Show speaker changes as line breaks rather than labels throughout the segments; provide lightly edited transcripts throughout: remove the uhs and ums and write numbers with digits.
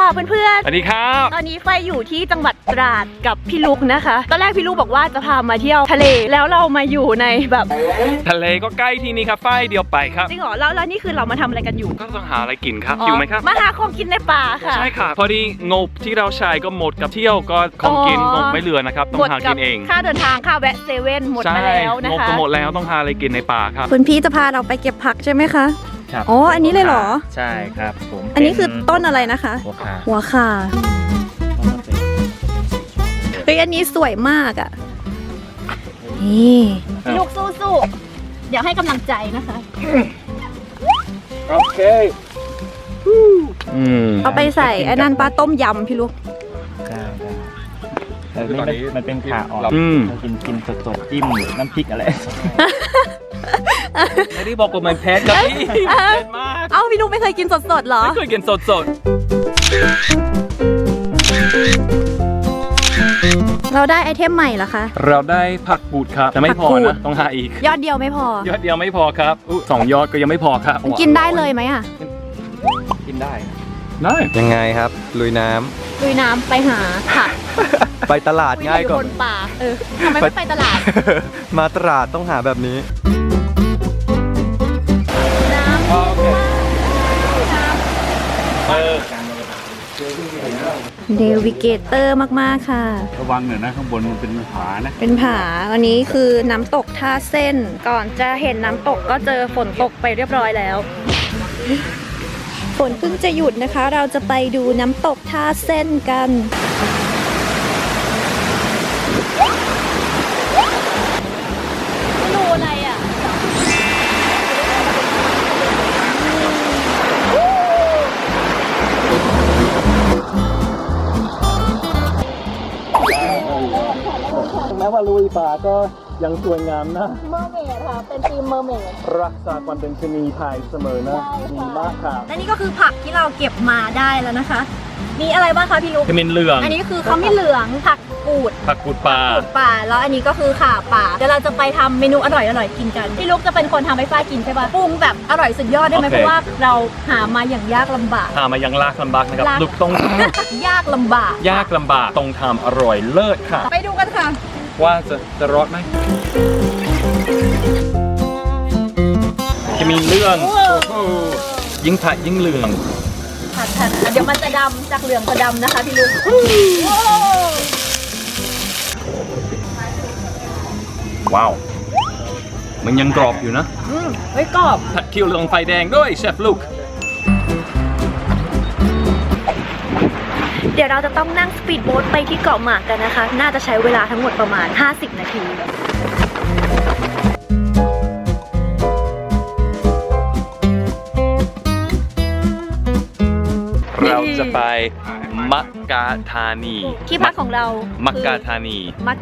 ค่ะเพื่อนๆ
สวัสดีครับ
ตอนนี้ไฟอยู่ที่จังหวัดตราดกับพี่ลุกนะคะตอนแรกพี่ลุกบอกว่าจะพามาเที่ยวทะเลแล้วเรามาอยู่ในแบบ
ทะเลก็ใกล้ที่นี่ครับไฟเดียวไปครับ
จริงเหรอแล้วนี่คือเรามาทำอะไรกันอยู่
ก็ต้องหาอะไรกินครับอยู่ไหมครับ
มาหาของกินในป่าค่ะ
ใช่ค่ะพอดีงบที่เราใช้ก็หมดกับเที่ยวก็ของกินงบไม่เหลือนะครับต้องหากินเอง
ค่าเดินทางค่าแวะเซเว่นหมดมาแล้วนะคะ
งบก็หมดแล้วต้องหาอะไรกินในป่าครับ
คุณพี่จะพาเราไปเก็บผักใช่ไหมคะ
ครับ
อ๋ออันนี้เลยเหรอ
ใช่ครับผม
อันนี้คือต้นอะไรนะคะหัวข่าเฮ้ยอันนี้สวยมากอ่ะนี่ลูกสู้ๆเดี๋ยวให้กำลังใจนะคะ
โอเค
เอาไปใส่ไอ้นั่นปลาต้มยำพี่ลูก
แต่นี่มันเป็นขาอ่อนเรากินสดๆจิ้มน้ำพริกอะไร
ไม่ได้บอกว่ามันแพ้กับพี่เผ็ดมาก
เอ้าพี่ลูกไม่เคยกินสดๆหรอ
ไม่เคยกินสด
เราได้ไอเทมใหม่เหรอคะ
เราได้ผักบูดครับแต่ไม่พอนะต้องหาอีก
ยอดเดียวไม่พอย
อดเดียวไม่พอครับ2 ยอดก็ยังไม่พอครับ
กินได้เลยไหมอ่ะ
กินได้
ยังไงครับลุยน้
ำไปหาผัก
ไปตลาดง่ายกว่า
บนป่าทำไมไม่ไปตลาด
มาตลาดต้องหาแบบนี้
เดวิเกเตอร์มากๆค่ะ
ระวังหน่อยนะข้างบนมันเป็นผานะ
เป็นผาอันนี้คือน้ำตกท่าเส้นก่อนจะเห็นน้ำตกก็เจอฝนตกไปเรียบร้อยแล้วฝนเพิ่งจะหยุดนะคะเราจะไปดูน้ำตกท่าเส้นกันไม่รู้อะไรอ่ะ
แม้ว่าลุยป่าก็ยังสวยงามนะ
เมอร์เมดค่ะเป็นทีมเมอร์เมด
รักษาความเป็นชนีไทยเสมอนะดีมากค่ะ
และนี่ก็คือผักที่เราเก็บมาได้แล้วนะคะมีอะไรบ้างคะพี่ลูก
ขมิ้นเหลือง
อันนี้คือขมิ้นเหลืองผักกูด
ป่า
แล้วอันนี้ก็คือข่าป่าเดี๋ยวเราจะไปทำเมนูอร่อยกินกันพี่ลูกจะเป็นคนทำให้ฝ้ายกินใช่ปะปรุงแบบอร่อยสุดยอดได้ไหมเพราะว่าเราหามาอย่างยากลำบาก
นะครับลูกต้อง
ยากลำบาก
ต้องทำอร่อยเลิศค่ะ
ไปดูกันค่ะ
ว่าจะรอดไหมจะมีเรื่องยิ่งผัดยิ่งเหลือง
ผัดเดี๋ยวมันจะดำจากเหลืองจะดำนะคะพี่ลุง
ว้าวมันยังกรอบอยู่นะ
เฮ้ยกรอบ
ผัดเคี่ยวเหลืองไฟแดงด้วยเชฟลูก
เดี๋ยวเราจะต้องนั่งสปีดโบ๊ทไปที่เกาะหมากกันนะคะน่าจะใช้เวลาทั้งหมดประมาณ50 นาที
เราจะไปมักกะธานี
ที่พักของเรา
มักกะธานี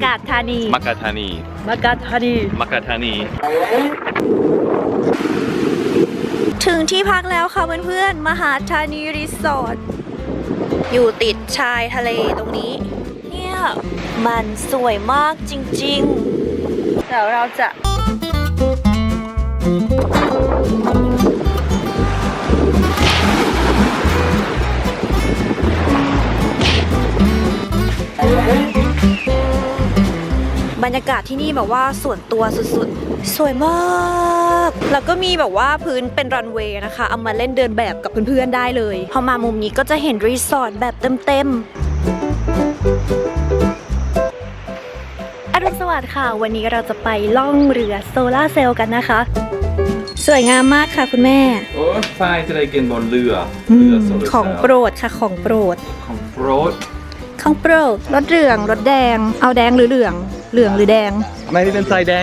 ถึงที่พักแล้วค่ะเพื่อนๆมหาธานีรีสอร์ทอยู่ติดชายทะเลตรงนี้เนี่ยมันสวยมากจริงๆเดี๋ยวเราจะบรรยากาศที่นี่แบบว่าส่วนตัวสุดๆสวยมากแล้วก็มีแบบว่าพื้นเป็นรันเวย์นะคะเอามาเล่นเดินแบบกับเพื่อนๆได้เลยพอมามุมนี้ก็จะเห็นรีสอร์ทแบบเต็มๆอรุณสวัสดิ์ค่ะวันนี้เราจะไปล่องเรือโซล่าเซลล์กันนะคะสวยงามมากค่ะคุณแม่
โอ้ฝ้ายจะได้กินบนเรือ
ของโปรดค่ะของโปรดรสเหลืองรสแดงเอาแดงหรือเหลืองหรือแดง
ไม่ได้เป็นสายแดง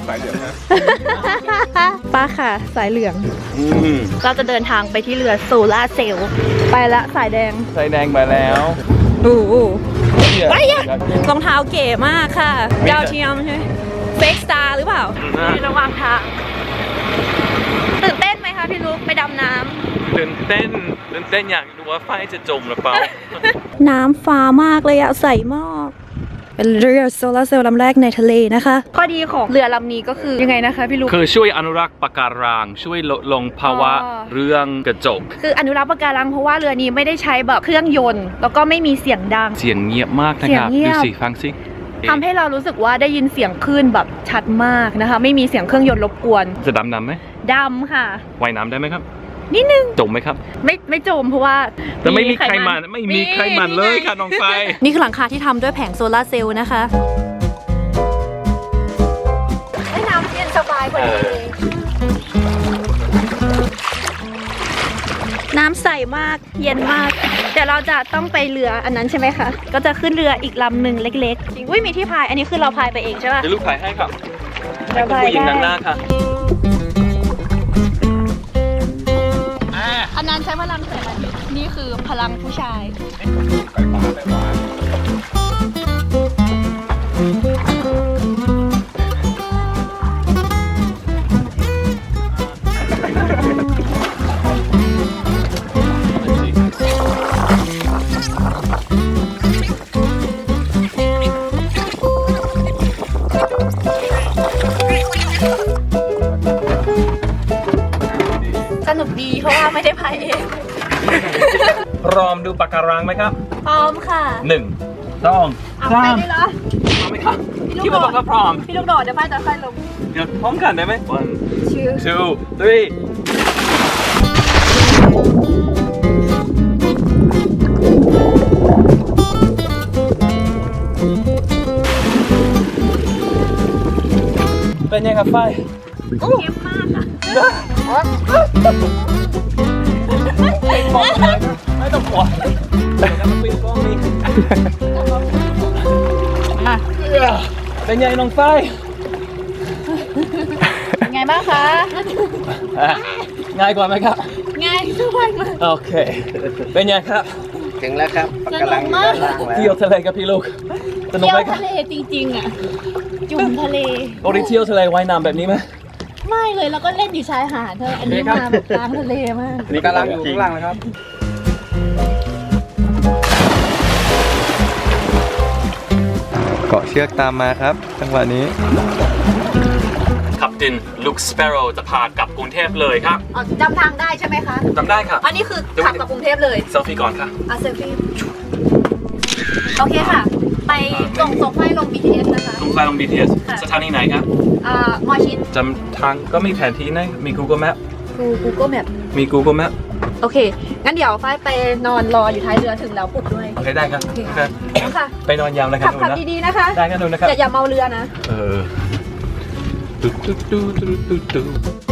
ป้าค่ะสายเหลืองเราจะเดินทางไปที่เรือโซล่าเซลล์ไปละสายแดง
ไปแล้ว
ไปอ่ะรองเท้าเก๋มากค่ะดาวเทียมใช่ไหมเฟกสตาร์หรือเปล่าระวังทางตื่นเต้นไหมคะพี่ลูกไปดำน้ำ
ตื่นเต้นอยากดูว่าไฟจะจมหรือเปล่า
น้ำฟ้ามากเลยอะใสมากเป็นเรือโซลาร์เซลล์ลำแรกในทะเลนะคะข้อดีของเรือลำนี้ก็คือยังไงนะคะพี่ลูก
คือช่วยอนุรักษ์ปะการังช่วยลดลงภาวะ
อ๋อ
เรื่องกระจก
คืออนุรักษ์ปะการังเพราะว่าเรือนี้ไม่ได้ใช้แบบเครื่องยนต์ แล้วก็ไม่มีเสียงดัง
เสียงเงียบมากนะครับ
เสียงเงียบ
ดูสิฟังสิ
ทำให้เรารู้สึกว่าได้ยินเสียงคลื่นแบบชัดมากนะคะ ไม่มีเสียงเครื่องยนต์รบกวน
จะดำน้ำไหม
ดำค่ะ
ว่ายน้ำได้ไหมครับ
นิดนึง
จมไหมครับ
ไม่จมเพราะว่า
แต่ไม่มีใครมันไม่มีใครมันเลยค่ะน้องไฟ
นี่คือหลังคาที่ทำด้วยแผงโซลาร์เซลล์นะคะให้น้ำเย็นสบายกว่านี้น้ำใสมากเย็นมากเดี๋ยวเราจะต้องไปเรืออันนั้นใช่ไหมคะก็จะขึ้นเรืออีกลำหนึ่งเล็กๆจริงอุ้ยมีที่พายอันนี้คือเราพายไปเองใช่ป่ะ
เดี๋ยวลูกถ่ายให้ครับให้
เรา
คุณ
พาย
ผู้หญิง
ได้
นั่งหน้าค่ะ
อันนั้นใช้พลังแสงอาทิตย์นี่คือพลังผู้ชาย สนุกดีเพราะว่าไม่ได้พายเอง
พร้อมดูปะการังไหมครับ
พร้อมค่ะ
1 2
เอาไปได้เหรอ
พร้อมไหมครับ
พี่
คิด
ลูก
ว่า
โดด
ก็พร้อม
พี่ลูกโดดเดี๋ยวพายจะค่อยลง
เดี๋ยวพร้อมกันได้ไหม
ชื่อ
1 2 3 เป็นยังไงครับไฟ
เข้มมากค่ะ
ไม่ต้องกลัวปิดกล้องนี่เป็นไงน้องไฟ
เป็นไงบ้างคะ
ง่ายกว่าไหมครับ
ง่ายสบายมาก
โอเค เป็นไงครับ
ถึงแล้วครับปะการังอยู่ด้านล่างแล้ว
เที่ยวทะเลกับพี่ลูกสนุก
เที่ย
ไหม
ว
ครั
ทะ
บ
เลจริงๆอ่ะ จุ่มทะเล
ปกติเที่ยวทะเลว่ายน้ำแบบนี้ไหม
ไม่เลยแล้วก็เล่นอยู่ชายหาดเธออันนี้มาแบบกลางทะเลมาก
นี่กำลังอยู่ข้างล่างนะครับ
เกาะเชือกตามมาครับ จังหวะนี้
ขับดินลูกสเปโร่จะพากลับกรุงเทพเลยครับ
อ๋อจำทางได้ใช่ไหมคะ
จำได้ครับ
อันนี้คือขับกับกรุงเทพเลย
เซลฟี่ก่อนค่ะ
อาเซลฟี่โอเคค่ะ ไปส่งให้ลง BTS นะคะ
ลงไฟลง BTS
ค่ะ
สถานีไหนครับ
มอชิน
จำทางก็มีแผนที่นะมี Google Map
Google Map
มี Google Map
โอเค งั้นเดี๋ยวฝ้ายไปนอนรออยู่ท้ายเรือถึงแล้วปลุกด้วย
โอเคได้ครับ
โอเค
โอเค
ค่ะ
ไปนอนยาวเลยครั
ขั
บบ หนู
ขับ
นะ
ดีๆนะคะ
ได้ครับหนูนะครับ
อย่าเมาเรือนะ
ตุ๊ดตุ๊ดตุ๊ดตุ๊ดตุ๊ด